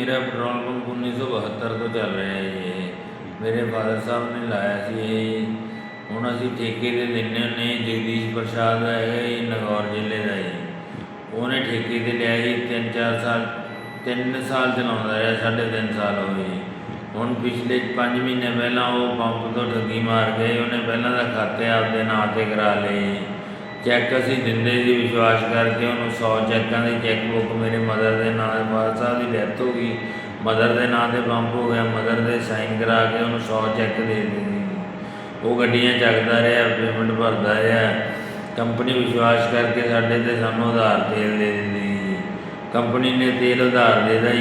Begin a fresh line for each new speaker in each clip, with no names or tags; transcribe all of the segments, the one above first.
मेरा petrol pump 1972 ਤੋਂ ਚੱਲ ਰਿਹਾ ਹੈ ਜੀ। ਮੇਰੇ ਫਾਦਰ ਸਾਹਿਬ ਨੇ ਲਾਇਆ ਸੀ ਇਹ। ਹੁਣ ਅਸੀਂ ਠੇਕੇ 'ਤੇ ਦਿੰਦੇ ਹੁੰਦੇ। ਜਗਦੀਸ਼ ਪ੍ਰਸ਼ਾਦ ਹੈਗਾ ਜੀ, ਨਗੌਰ ਜ਼ਿਲ੍ਹੇ ਦਾ ਜੀ। ਉਹਨੇ ਠੇਕੇ 'ਤੇ ਲਿਆ ਜੀ 3-4 ਸਾਲ, 3 ਸਾਲ ਚਲਾਉਂਦਾ ਰਿਹਾ, 3.5 ਸਾਲ ਹੋ ਗਏ ਜੀ। ਹੁਣ ਪਿਛਲੇ 5 ਮਹੀਨੇ ਪਹਿਲਾਂ ਉਹ ਪੰਪ ਤੋਂ ਠੱਗੀ ਮਾਰ ਗਏ। ਉਹਨੇ ਪਹਿਲਾਂ ਤਾਂ ਖਾਤੇ ਆਪਦੇ ਨਾਂ 'ਤੇ ਕਰਾ ਲਏ। ਚੈੱਕ ਅਸੀਂ ਦਿੰਦੇ ਸੀ ਵਿਸ਼ਵਾਸ ਕਰਕੇ ਉਹਨੂੰ। 100 ਚੈੱਕਾਂ ਦੀ ਚੈੱਕ ਬੁੱਕ ਮੇਰੇ ਮਦਰ ਦੇ ਨਾਂ, ਫਾਦਰ ਸਾਹਿਬ ਦੀ ਡੈਥ ਹੋ ਗਈ, ਮਦਰ ਦੇ ਨਾਂ 'ਤੇ ਪੰਪ ਹੋ ਗਿਆ। ਮਦਰ ਦੇ ਸਾਈਨ ਕਰਾ ਕੇ ਉਹਨੂੰ 100 ਚੈੱਕ ਦੇ ਦਿੱਤੇ। ਉਹ ਗੱਡੀਆਂ ਚੱਕਦਾ ਰਿਹਾ, ਪੇਮੈਂਟ ਭਰਦਾ ਰਿਹਾ। ਕੰਪਨੀ ਵਿਸ਼ਵਾਸ ਕਰਕੇ ਸਾਡੇ 'ਤੇ ਸਾਨੂੰ ਉਧਾਰ ਤੇਲ ਦੇ ਦਿੰਦੀ। ਕੰਪਨੀ ਨੇ ਤੇਲ ਉਧਾਰ ਦੇ ਦਿੱਤਾ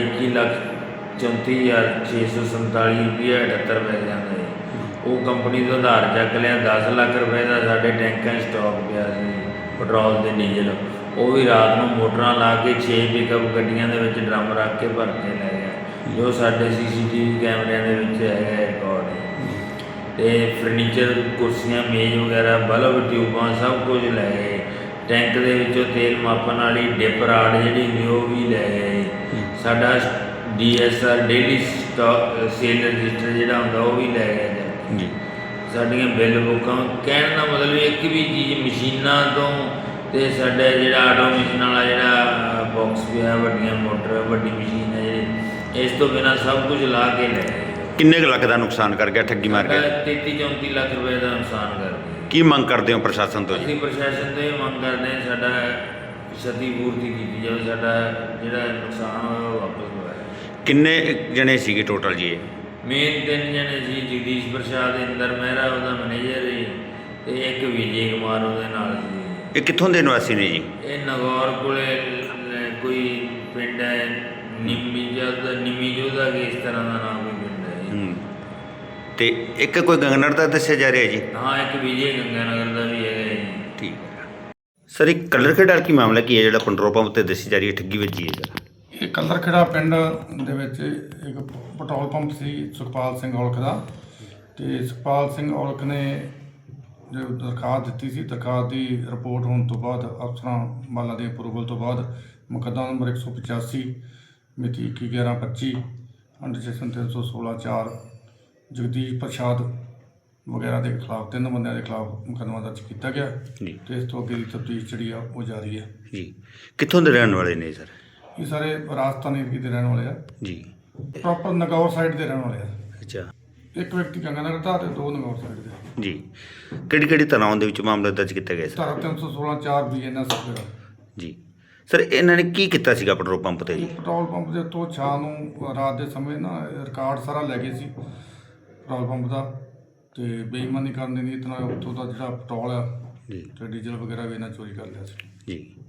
21,34,647 ਰੁਪਈਆ 78 ਪੈਸਿਆਂ ਦਾ। ਉਹ ਕੰਪਨੀ ਤੋਂ ਉਧਾਰ ਚੱਕ ਲਿਆ। 10 ਲੱਖ ਰੁਪਏ ਦਾ ਸਾਡੇ ਟੈਂਕਾਂ 'ਚ ਸਟਾਕ ਪਿਆ ਸੀ ਪੈਟਰੋਲ ਅਤੇ ਡੀਜ਼ਲ। ਉਹ ਵੀ ਰਾਤ ਨੂੰ ਮੋਟਰਾਂ ਲਾ ਕੇ 6 ਪਿਕਅਪ ਗੱਡੀਆਂ ਦੇ ਵਿੱਚ ਡਰਮ ਰੱਖ ਕੇ ਭਰ ਕੇ ਲੈ ਗਿਆ, ਜੋ ਸਾਡੇ CCTV ਕੈਮਰਿਆਂ ਦੇ ਵਿੱਚ ਹੈਗਾ ਰਿਕਾਰਡ। ਅਤੇ ਫਰਨੀਚਰ, ਕੁਰਸੀਆਂ, ਮੇਜ਼ ਵਗੈਰਾ, ਬਲਬ, ਟਿਊਬਾਂ ਸਭ ਕੁਝ ਲੈ ਗਏ। ਟੈਂਕ ਦੇ ਵਿੱਚੋਂ ਤੇਲ ਮਾਪਣ ਵਾਲੀ ਡਿਪ ਰਾਡ ਜਿਹੜੀ ਹੁੰਦੀ ਉਹ ਵੀ ਲੈ ਗਏ। ਸਾਡਾ DSR daily stock sale register ਜਿਹੜਾ ਹੁੰਦਾ ਉਹ ਵੀ ਲੈ ਗਏ ਜੀ। ਸਾਡੀਆਂ ਬਿੱਲ ਬੁੱਕਾਂ, ਕਹਿਣ ਦਾ ਮਤਲਬ ਇੱਕ ਵੀ ਚੀਜ਼, ਮਸ਼ੀਨਾਂ ਤੋਂ ਅਤੇ ਸਾਡਾ ਜਿਹੜਾ ਆਟੋਮੇਸ਼ਨ ਵਾਲਾ ਜਿਹੜਾ ਬਾਕਸ ਪਿਆ, ਵੱਡੀਆਂ ਮੋਟਰ, ਵੱਡੀ ਮਸ਼ੀਨ ਹੈ ਜਿਹੜੀ, ਇਸ ਤੋਂ ਬਿਨਾਂ ਸਭ ਕੁਝ ਲਾ ਕੇ ਲੈ ਗਏ।
ਕਿੰਨੇ ਕੁ ਲੱਖ ਦਾ ਨੁਕਸਾਨ ਕਰ ਗਿਆ ਠੱਗੀ ਮਾਰ ਕੇ?
33-34 ਲੱਖ ਰੁਪਏ ਦਾ ਨੁਕਸਾਨ ਕਰ ਗਿਆ।
ਕੀ ਮੰਗ ਕਰਦੇ ਹੋ ਪ੍ਰਸ਼ਾਸਨ ਤੋਂ ਜੀ?
ਅਸੀਂ ਪ੍ਰਸ਼ਾਸਨ ਤੋਂ ਇਹ ਮੰਗ ਕਰਦੇ ਹਾਂ ਸਾਡਾ ਛਤੀ ਪੂਰਤੀ ਕੀਤੀ ਜਾਵੇ, ਸਾਡਾ ਜਿਹੜਾ ਨੁਕਸਾਨ ਹੋਇਆ ਉਹ ਵਾਪਸ ਹੋਇਆ।
ਕਿੰਨੇ ਜਣੇ ਸੀਗੇ ਟੋਟਲ ਜੀ ਇਹ?
ਮੇਨ 3 ਜਣੇ ਸੀ। ਜਗਦੀਸ਼ ਪ੍ਰਸ਼ਾਦ, ਇੰਦਰ ਮਹਿਰਾ ਉਹਦਾ ਮੈਨੇਜਰ ਹੈ, ਅਤੇ ਇੱਕ ਵਿਜੇ ਕੁਮਾਰ ਉਹਦੇ ਨਾਲ ਸੀ।
ਇਹ ਕਿੱਥੋਂ ਦੇ ਨਿਵਾਸੀ ਨੇ ਜੀ?
ਇਹ ਨਗੌਰ ਕੋਲੇ ਕੋਈ ਪਿੰਡ ਹੈ, ਨਿੰਮੀ ਜੋਧਾ ਕਿ ਇਸ ਤਰ੍ਹਾਂ ਦਾ ਨਾਮ ਕੋਈ ਪਿੰਡ ਹੈ।
ਅਤੇ ਇੱਕ ਕੋਈ ਗੰਗਨਰ ਦਾ ਦੱਸਿਆ ਜਾ ਰਿਹਾ ਜੀ?
ਹਾਂ, ਇੱਕ ਵਿਜੇ ਗੰਗਾਨਗਰ ਦਾ ਵੀ ਹੈਗਾ ਜੀ।
ਠੀਕ ਹੈ ਸਰ, ਇੱਕ ਕਲਰ ਖੇਡਾਰ ਕੀ ਮਾਮਲਾ ਕੀ ਹੈ ਜਿਹੜਾ ਪੈਟਰੋਲ ਪੰਪ 'ਤੇ ਦੱਸੀ ਜਾ ਰਹੀ ਹੈ ਠੱਗੀ ਵੱਜੀ ਹੈ?
ਇਹ ਕਲਰ ਖੇੜਾ ਪਿੰਡ ਦੇ ਵਿੱਚ ਇੱਕ ਪੈਟਰੋਲ ਪੰਪ ਸੀ ਸੁਖਪਾਲ ਸਿੰਘ ਔਲਖ ਦਾ। ਅਤੇ ਸੁਖਪਾਲ ਸਿੰਘ ਔਲਖ ਨੇ ਜੋ ਦਰਖਾਸਤ ਦਿੱਤੀ ਸੀ, ਦਰਖਾਸਤ ਦੀ ਰਿਪੋਰਟ ਹੋਣ ਤੋਂ ਬਾਅਦ ਅਫਸਰਾਂ ਵਾਲਾਂ ਦੀ ਅਪਰੂਵਲ ਤੋਂ ਬਾਅਦ ਮੁਕੱਦਮਾ ਨੰਬਰ 185 ਮਿਤੀ 21/11/25 ਅੰਡਰ ਸੈਕਸ਼ਨ 316(4) ਜਗਦੀਸ਼ ਪ੍ਰਸ਼ਾਦ ਵਗੈਰਾ ਦੇ ਖਿਲਾਫ 3 ਬੰਦਿਆਂ ਦੇ ਖਿਲਾਫ ਮੁਕੱਦਮਾ ਦਰਜ ਕੀਤਾ ਗਿਆ
ਜੀ।
ਅਤੇ ਇਸ ਤੋਂ ਅੱਗੇ ਦੀ ਤਫਤੀਸ਼ ਜਿਹੜੀ ਆ ਉਹ ਜਾਰੀ ਹੈ
ਜੀ। ਕਿੱਥੋਂ ਦੇ ਰਹਿਣ ਵਾਲੇ ਨੇ ਸਰ?
ਇਹ ਸਾਰੇ ਰਾਜਸਥਾਨ ਏਰੀਏ ਦੇ ਰਹਿਣ ਵਾਲੇ ਆ
ਜੀ।
ਪ੍ਰੋਪਰ ਨਗੌਰ ਸਾਈਡ ਦੇ ਰਹਿਣ ਵਾਲੇ ਆ।
ਅੱਛਾ।
ਇੱਕ ਵਿਅਕਤੀ ਗੰਗਾਨਗਰ ਦਾ ਅਤੇ 2 ਨਗੌਰ ਸਾਈਡ ਦੇ।
ਜੀ। ਕਿਹੜੀ ਧਾਰਾਵਾਂ ਦੇ ਵਿੱਚ ਮਾਮਲਾ ਦਰਜ ਕੀਤਾ ਗਿਆ ਸਰ?
ਧਾਰਾ 316(4) BNS ਵਗੈਰਾ।
ਜੀ ਸਰ, ਇਹਨਾਂ ਨੇ ਕੀ ਕੀਤਾ ਸੀਗਾ ਪੈਟਰੋਲ ਪੰਪ 'ਤੇ ਜੀ?
ਪੈਟਰੋਲ ਪੰਪ ਦੇ ਉੱਤੋਂ ਸ਼ਾਮ ਨੂੰ ਰਾਤ ਦੇ ਸਮੇਂ ਨਾ ਰਿਕਾਰਡ ਸਾਰਾ ਲੈ ਗਏ ਸੀ ਪੈਟਰੋਲ ਪੰਪ ਦਾ, ਅਤੇ ਬੇਈਮਾਨੀ ਕਰਨ ਦੀ ਨੀਅਤ ਨਾਲ ਉੱਥੋਂ ਦਾ ਜਿਹੜਾ ਪੈਟਰੋਲ ਆ
ਜੀ
ਅਤੇ ਡੀਜ਼ਲ ਵਗੈਰਾ ਵੀ ਇਹਨਾਂ ਚੋਰੀ ਕਰ ਲਿਆ ਸੀ।
ਜੀ।